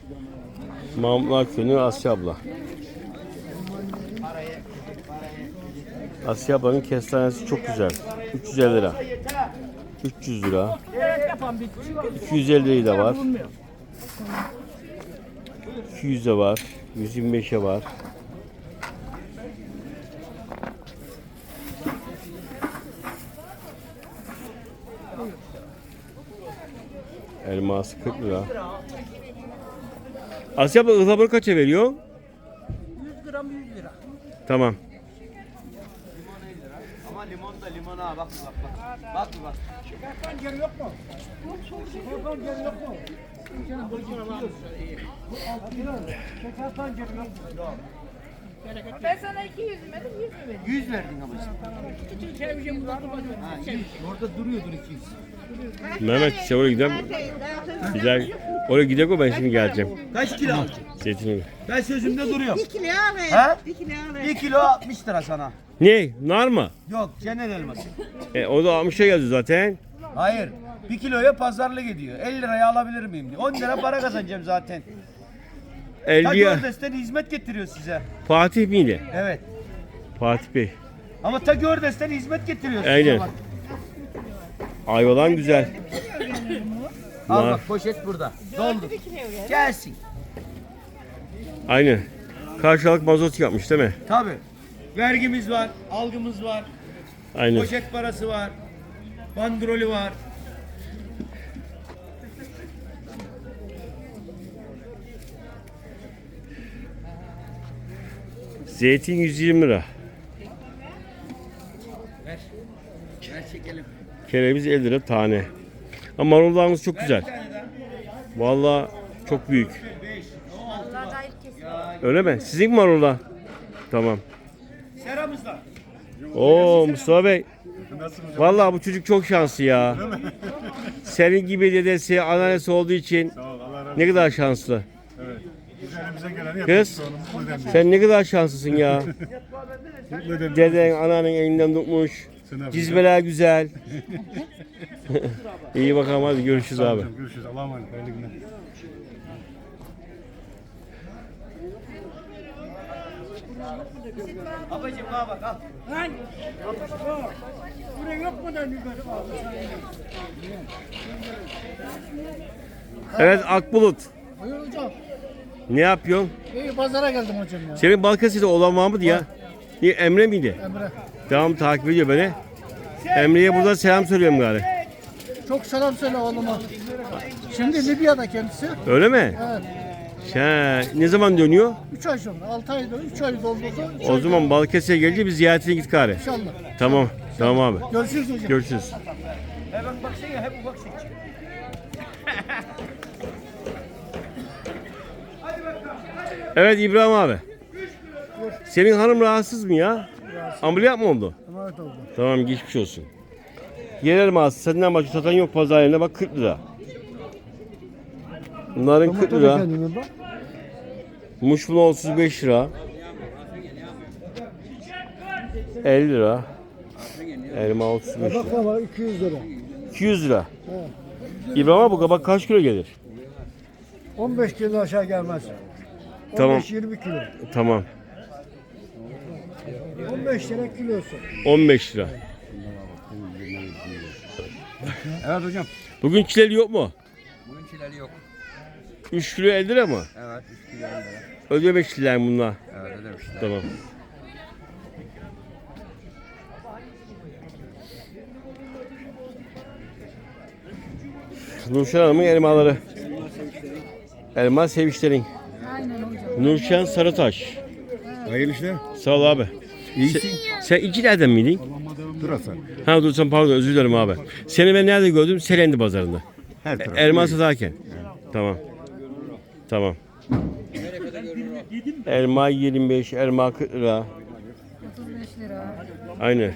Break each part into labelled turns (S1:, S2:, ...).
S1: Mahmutlar Köyü'nün Asya abla. Asya ablanın kestanesi çok güzel. 350 lira. 300 lira. 250 lirayı da var. 200'e var. 125'e var. Elması 40 lira. Asya abla ıhlamuru kaça veriyor?
S2: 100 gram 100 lira.
S1: Tamam.
S3: Ama limon da limona bak. Bak.
S2: Şeker pancarı yok mu? Şeker pancarı yok mu? Bu 6 lira. Şeker pancarı yok mu?
S4: Ben sana 200 demedim, 100 mü verdim?
S3: 100 verdin ama sen.
S2: Küçük televizyon kullandım.
S3: Ha, 100. Orada duruyordur 200.
S1: Mehmet işte oraya gidelim. Güzel. Oraya gidelim o ben şimdi geleceğim.
S3: Kaç kilo alacaksın?
S1: Zeytinimi.
S3: Ben sözümde duruyorum.
S4: 1 kilo alayım.
S3: Ha?
S4: 1 kilo
S3: 1
S4: alayım.
S3: kilo 60 lira sana.
S1: Ne? Nar mı?
S3: Yok cennet elması.
S1: O da 60'a geldi zaten.
S3: Hayır. 1 kiloya pazarlık ediyor. 50 liraya alabilir miyim diyor. 10 lira para kazanacağım zaten. Ta
S1: 50'ye.
S3: Gördes'ten hizmet getiriyor size.
S1: Fatih miydi?
S3: Evet.
S1: Fatih Bey.
S3: Ama ta Gördes'ten hizmet getiriyor size.
S1: Aynen.
S3: Bak.
S1: Ayvalan güzel.
S3: Al
S1: Nar.
S3: bak poşet burada. Doldur. Gelsin.
S1: Aynen. Karşılık mazot yapmış değil mi?
S3: Tabii. Vergimiz var, algımız var,
S1: Aynen.
S3: poşet parası var, bandrolü var.
S1: Zeytin 120 lira.
S3: Ver çekelim.
S1: Kereviz 50 lira tane. Ama marullarımız çok güzel. Vallahi çok büyük.
S4: Vallahi da ilk kesin.
S1: Öyle mi? Sizin mi marullar? Tamam.
S3: Seramızda.
S1: Oo Mustafa Bey. Vallahi bu çocuk çok şanslı ya. Senin gibi dedesi, anneannesi olduğu için ne kadar şanslı.
S5: Evet. Biz elimize geleni
S1: Kız,
S5: yapıyoruz. Onu mutlu edelim.
S1: sen ne kadar şanslısın ya.
S5: Mutlu edelim.
S1: Deden, anneannen elinden tutmuş. Cizmeler güzel. İyi bakalım hadi görüşürüz abi.
S5: Görüşürüz. Allah'a emanet. Hayırlı günler.
S3: Babacım bana bak al.
S2: Lan! Buraya yok mu da biber?
S1: Evet Akbulut.
S2: Buyur hocam.
S1: Ne yapıyorsun?
S2: İyi pazara geldim hocam ya.
S1: Senin Balıkesir'de olan var mıydı ya? Niye, Emre miydi?
S2: Emre.
S1: Devam takip ediyor beni. Emre'ye burada selam söylüyorum gari.
S2: Çok selam söyle oğluma. Şimdi Libya'da kendisi.
S1: Öyle mi?
S2: Evet.
S1: Ne zaman dönüyor?
S2: 3 ay sonra. 6 ay, 3 ay doldurdu.
S1: O zaman Balıkesir'e gelince bir ziyaretine git gari.
S2: İnşallah.
S1: Tamam. Tamam abi.
S2: Görüşürüz hocam.
S1: Görüşürüz.
S3: Hemen baksana hep ufak seçecek.
S1: Evet İbrahim abi. Senin hanım rahatsız mı ya? Ameliyat mı oldu?
S2: Evet oldu.
S1: Tamam geçmiş olsun. Yerel mağazası senden başka satan yok pazar yerine bak 40 lira. Bunların 40 lira. Muşmula 35 lira. 50 lira. Elma 35 lira.
S2: Baklava 200 lira.
S1: 200 lira. İbrahim abi bu kabak kaç kilo gelir?
S2: 15 kilo aşağı gelmez.
S1: Tamam.
S2: 15-20 kilo.
S1: Tamam.
S2: 15 lira kilosu.
S1: 15 lira.
S3: Evet hocam.
S1: Bugün çileli yok mu?
S3: Bugün çileli yok.
S1: 3 kilo 50 lira mı?
S3: Evet 3 kilo 50 lira.
S1: Ödemek çileler bunlar.
S3: Evet ödemişler.
S1: Tamam. Nurşen Hanım'ın elmaları. Elma sevişlerin. Nurşen Sarıtaş.
S5: Hayırlı işler.
S1: Sağ ol abi. Sen İnciler'den miydin?
S5: Durasa.
S1: Ha dur sen pardon özür dilerim abi. Seni ben nerede gördüm? Selendi pazarında.
S5: Her taraf.
S1: Elma satarken. Tamam. Tamam. Elma 25, elma 40 lira.
S4: 35 lira.
S1: Aynen.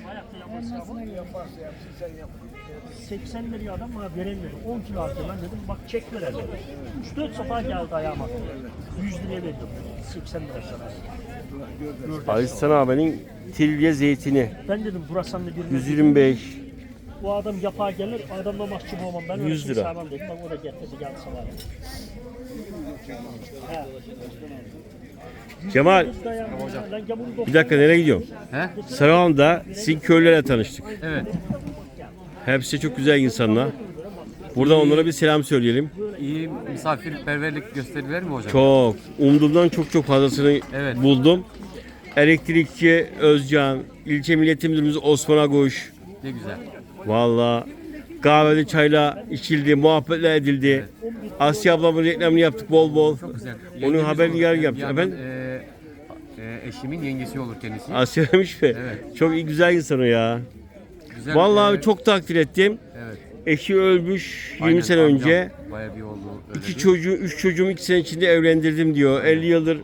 S6: 80 liraya adam bana veremiyor. 10 kilo aldım ben dedim bak çek ver dedim. 3-4 sefer geldi ayağıma. 100 liraya verdim. 80 lira sana.
S1: Alistan abinin tilye zeytini.
S6: Ben dedim burası da bir
S1: 125.
S6: bu adam yapar gelir adamla mahcup olmam. Ben
S1: 100 lira.
S6: Sağlam dedim. Bak o da getirdi geldi sana.
S1: Cemal bir dakika nereye gidiyorsun?
S7: He?
S1: Sarıhan'da sizin köylülerle tanıştık.
S7: Evet.
S1: Hepsi çok güzel insanlar. Buradan onlara bir selam söyleyelim.
S7: İyi misafirperverlik gösterdiler mi hocam?
S1: Çok. Umduğumdan çok fazlasını
S7: Evet.
S1: buldum. Elektrikçi Özcan, ilçe millet müdürümüz Osman Aguş.
S7: Ne güzel.
S1: Valla kahveli çayla içildi, muhabbetler edildi. Asya ablamın reklamını yaptık bol bol.
S7: Çok güzel.
S1: Onun
S7: Yengemiz
S1: haberini
S7: olur.
S1: yer
S7: Bir
S1: yaptık.
S7: yandan,
S1: Efendim?
S7: Eşimin yengesi olur kendisi.
S1: Asya demiş mi?
S7: Evet.
S1: Çok iyi güzel insan o ya.
S7: Güzel,
S1: Vallahi çok takdir ettim.
S7: Evet.
S1: Eşi ölmüş 20
S7: Aynen,
S1: sene
S7: amcam
S1: önce.
S7: Bayağı bir oldu. Öyle
S1: İki
S7: değil.
S1: çocuğu, 3 çocuğumu 2 sene içinde evlendirdim diyor. 50 yıldır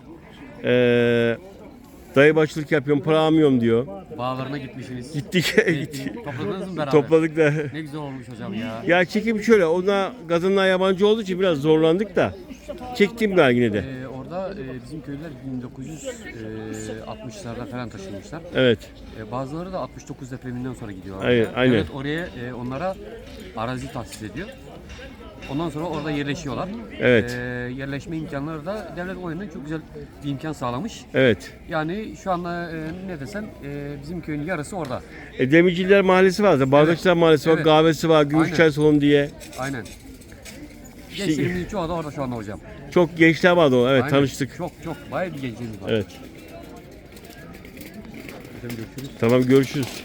S1: dayı başlık yapıyorum, para almıyorum diyor.
S7: Bağlarına gitmişsiniz.
S1: Gittik.
S7: Topladınız mı beraber?
S1: Topladık da.
S7: Ne güzel olmuş hocam ya.
S1: Ya çekim şöyle, ona kadınlar yabancı olduğu için biraz zorlandık da. Çektim ben yine de.
S7: Orada bizim köylüler 1960'larda falan taşınmışlar.
S1: Evet.
S7: Bazıları da 69 depreminden sonra gidiyor.
S1: Aynen.
S7: Evet, oraya onlara arazi tahsis ediyor. Ondan sonra orada yerleşiyorlar.
S1: Evet.
S7: Yerleşme imkanları da devlet o yönden çok güzel bir imkan sağlamış.
S1: Evet.
S7: Yani şu anda ne desem bizim köyün yarısı orada.
S1: Demirciler Mahallesi var da, Bardakçılar Mahallesi var,
S7: Evet.
S1: kahvesi var, Gümüşçay
S7: Aynen.
S1: Salonu diye.
S7: Aynen.
S1: İşte-
S7: Gençlerimizin çoğu da orada şu anda hocam.
S1: Çok gençler vardı o. Evet,
S7: Aynen.
S1: tanıştık.
S7: Çok bayağı bir gençlerimiz var.
S1: Evet.
S7: Hocam görüşürüz.
S1: Tamam, görüşürüz.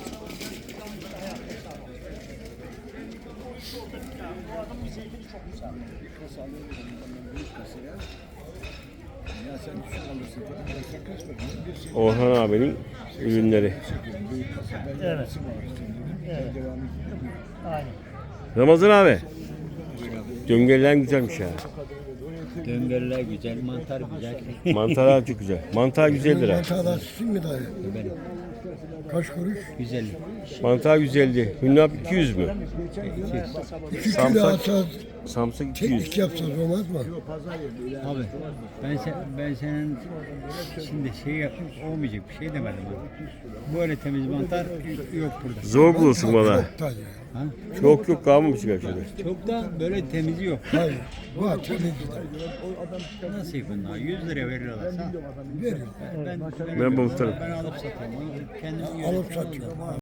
S1: Orhan abinin ürünleri.
S6: Evet. Evet. Aynen.
S1: Ramazan abi. Döngeliler güzelmiş ya.
S8: Döngüller güzel, mantar güzel.
S1: Mantarlar çok güzel. Mantar güzeldir ha.
S2: Mantarlar sizin mi dayı? Kaç kuruş?
S8: Güzel.
S1: Mantar güzeldi. Hünnap 200 mü?
S2: 2 kilo
S1: Samsak-
S2: alsanız,
S1: Samsak 200.
S2: teknik yapsanız olmaz mı?
S8: Abi ben senin şimdi olmayacak bir şey demedim. Böyle temiz mantar yok burada.
S1: Zor bulursun valla.
S2: Çok dayı.
S8: Ha?
S1: Çok yok kalmamış gerçekten.
S8: Çok da böyle temizi yok.
S2: Hayır. Var temizli dayı.
S8: Nasıl bunlar? 100 lira veriyorlarsa
S2: Veriyor.
S8: ben
S1: Ben muhtarım.
S8: ben alıp satarım. Kendim
S2: Alıp satıyorum.